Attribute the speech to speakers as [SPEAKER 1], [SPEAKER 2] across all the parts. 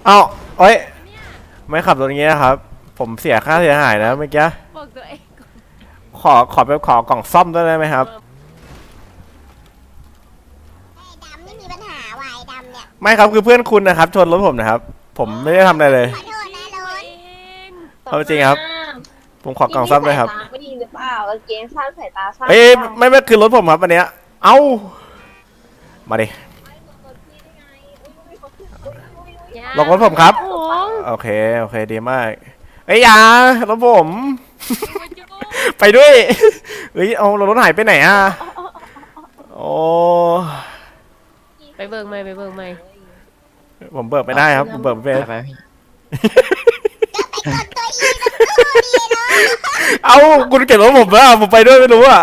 [SPEAKER 1] เอาเอ้ยไม่ขับรถอย่างเงี้ยครับผมเสียค่าเสียหายนะเมื่อกี้
[SPEAKER 2] บอกตัวเอง
[SPEAKER 1] ขอไปขอกล่องซ่อมได้ไหมครับ
[SPEAKER 3] ไอ้ดำไม่มีปัญหาวายดำเนี่ย
[SPEAKER 1] ไม่ครับคือเพื่อนคุณนะครับชนรถผมนะครับผมไม่ได้ทำอะไรเลย
[SPEAKER 3] ขอโทษนะรถ
[SPEAKER 1] เอาจริงครับผมขอกล่องซ่อมด้วยครับ
[SPEAKER 4] ไม่ดีหรือเปล่ากางเกงสั้นสายตาสั้น
[SPEAKER 1] เอ้ยไม่คือรถผมครับอันเนี้ยเอ้ามาดิลงรถผมครับโอเคดีมากเอ้ยอย่ารถผมไปด้วยเฮ้ยเอารถหายไปไหนอ่ะโอ้
[SPEAKER 2] ไปเบิกไม่
[SPEAKER 1] ผมเบิกไม่ได้ครับผมเบิกไม่เป็น
[SPEAKER 5] ไปพี่
[SPEAKER 3] ตัวอีตัวดีเนาะ
[SPEAKER 1] เอ้าคุณเก็บรถผมแล้วผมไปด้วยไม่รู้อ่ะ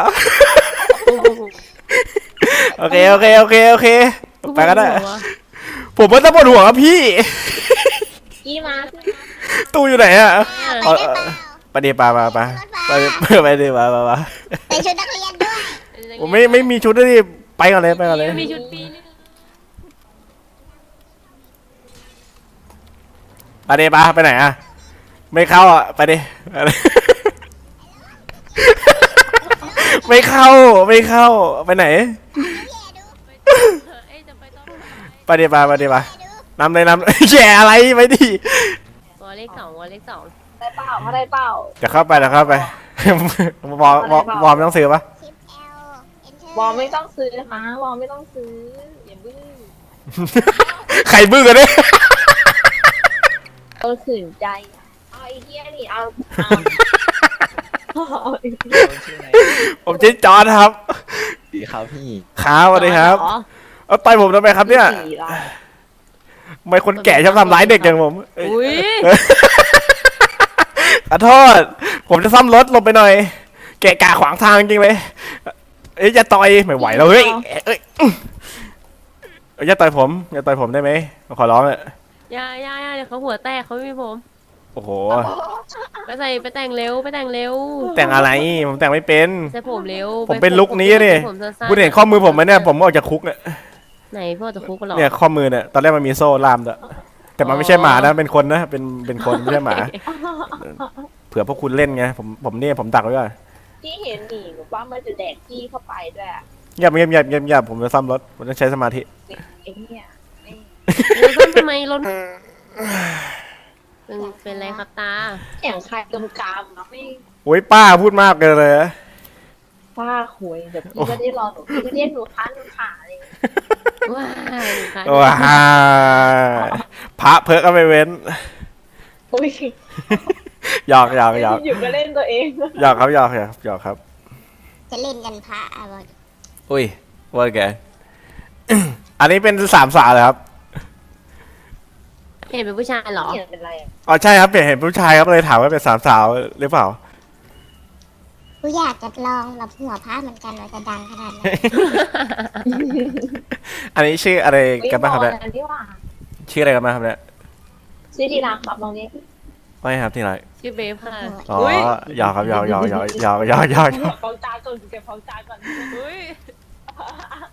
[SPEAKER 1] โอเคไปก็ได้ผมไม่ต้องปวดหัวครับพี่
[SPEAKER 4] กี่มา
[SPEAKER 1] ตู้อยู่ไหนอ่ะ
[SPEAKER 3] ไปได้เปล่า
[SPEAKER 1] ไปดิมา
[SPEAKER 3] ใส่ชุดนักเรียนด้วย
[SPEAKER 1] ผมไม่มีชุดเลยไปก่อนเลย
[SPEAKER 2] มีชุดปีนึง
[SPEAKER 1] ไปไหนอ่ะไม่เข้าอ่ะไปดิไม่เข้าไปไหนไปดินำเลยแย่อะไรไปดิ
[SPEAKER 2] วอลเลขสอง
[SPEAKER 4] ได้เปล่าเขาได้เปล่า
[SPEAKER 1] จะเข้าไปวอร์มต้องซื้อปะ
[SPEAKER 3] ชิปเอลเอนเตอร์
[SPEAKER 4] วอลไม่ต้องซื้อนะคะวอลไม่ต้องซื้ออย่าบื้อ
[SPEAKER 1] ใครบึ้งกันเนี่ย
[SPEAKER 4] เอาขืนใจเอาไอ้เหี้ยนี่เอาไอ้เหี้ย
[SPEAKER 5] ชื่ออะไร
[SPEAKER 1] ผมชื่อจอร์ดครับ
[SPEAKER 5] ดีครับพี่
[SPEAKER 1] ครับสวัสดีครับเอาต่อยผมทำไมครับเนี่ย
[SPEAKER 4] สี่ละ
[SPEAKER 1] ทำไมคนแก่ชอบทำร้ายเด็กอย่างผมเอ้ย
[SPEAKER 2] อุ้ย
[SPEAKER 1] ขอโทษผมจะซ่อมรถลงไปหน่อยแกะกะขวางทางจริงเลยเอ้ยอย่าต่อยไม่ไหวแล้วเฮ้ยอย่าต่อยผมได้ไหมขอร้องเลย
[SPEAKER 2] อย่าเดี๋ยวเขาหัวแตกเขาไม่มีผม
[SPEAKER 1] โอ้โห
[SPEAKER 2] ไปแต่งเร็ว
[SPEAKER 1] แต่งอะไรผมแต่งไม่เป็น
[SPEAKER 2] ใส่ผมเร็ว
[SPEAKER 1] ผมเป็นลุคนี้ดิ
[SPEAKER 2] ผมสั้นๆ
[SPEAKER 1] คุณเห็นข้อมือผมไหมเนี่ยผมออกจากคุกเนี่ย
[SPEAKER 2] ไหนพ่อจะคุกกันหรอ
[SPEAKER 1] เนี่ยข้อมือเนี่ยตอนแรกมันมีโซ่ล่ามด้วยแต่มันไม่ใช่หมานะเป็นคนนะเป็นคนไม่ใช่หมาเผื่อพวกคุณเล่นไงผมเนี่ยผมดักไว้ก่อน
[SPEAKER 4] ที่เห็นหนีหรือว่ามันจะแดกที่เข้าไปด้วยอะ
[SPEAKER 1] เงียบผมจะซ่อมรถผมต้องใช้สมาธิ
[SPEAKER 4] ไอ้เนี่ยไอ้
[SPEAKER 2] ต้นทำไมรถเป็นไรครับตา
[SPEAKER 4] เสียงใครกำกามเนาะไม่
[SPEAKER 1] โอ้ยป้าพูดมากเลยนะ
[SPEAKER 4] ป้าคุยเดี๋ยวพี่ก็ได้รอหนูพี่ก็เรียกหนูค้าหนูขาเลย
[SPEAKER 2] ว้ายค่ะ
[SPEAKER 1] ว้าพระเพิกก็ไม่เว้น
[SPEAKER 4] อุ้ย
[SPEAKER 1] หยอก
[SPEAKER 4] อยู่ก็เล่นตัวเอง
[SPEAKER 1] หยอกครับ
[SPEAKER 3] จะเล่นกันพระอะบอก
[SPEAKER 1] อุ้ยว่าแกอันนี้เป็นสามสาวเลยครับ
[SPEAKER 2] เห็นเป็นผู้ชายเหรอ
[SPEAKER 4] เขียนเป็นไรอะ
[SPEAKER 1] อ๋อใช่ครับเห็นผู้ชายครับเลยถามว่าเป็นสามสาวหรือเปล่า
[SPEAKER 3] กูอยากจะลองรับหัวพระเหมือนกันว่าจะดังขนาดไหน
[SPEAKER 1] อันนี้ชื่ออะไรกันบ้างครับเนี่ย
[SPEAKER 4] อันที่ว่า
[SPEAKER 1] ชื่ออะไรกันบ้างครับเนี่ย
[SPEAKER 4] ชื่อทีรักครับตรงนี้
[SPEAKER 1] ไม่ครับที่ไหน
[SPEAKER 2] ชื่อเบฟค่ะ
[SPEAKER 1] อ๋อ
[SPEAKER 2] อุ้ย
[SPEAKER 1] หยอกครับหยอก
[SPEAKER 4] เก็บของจานก่อนเก็บของจานก่อน
[SPEAKER 2] อุ้ย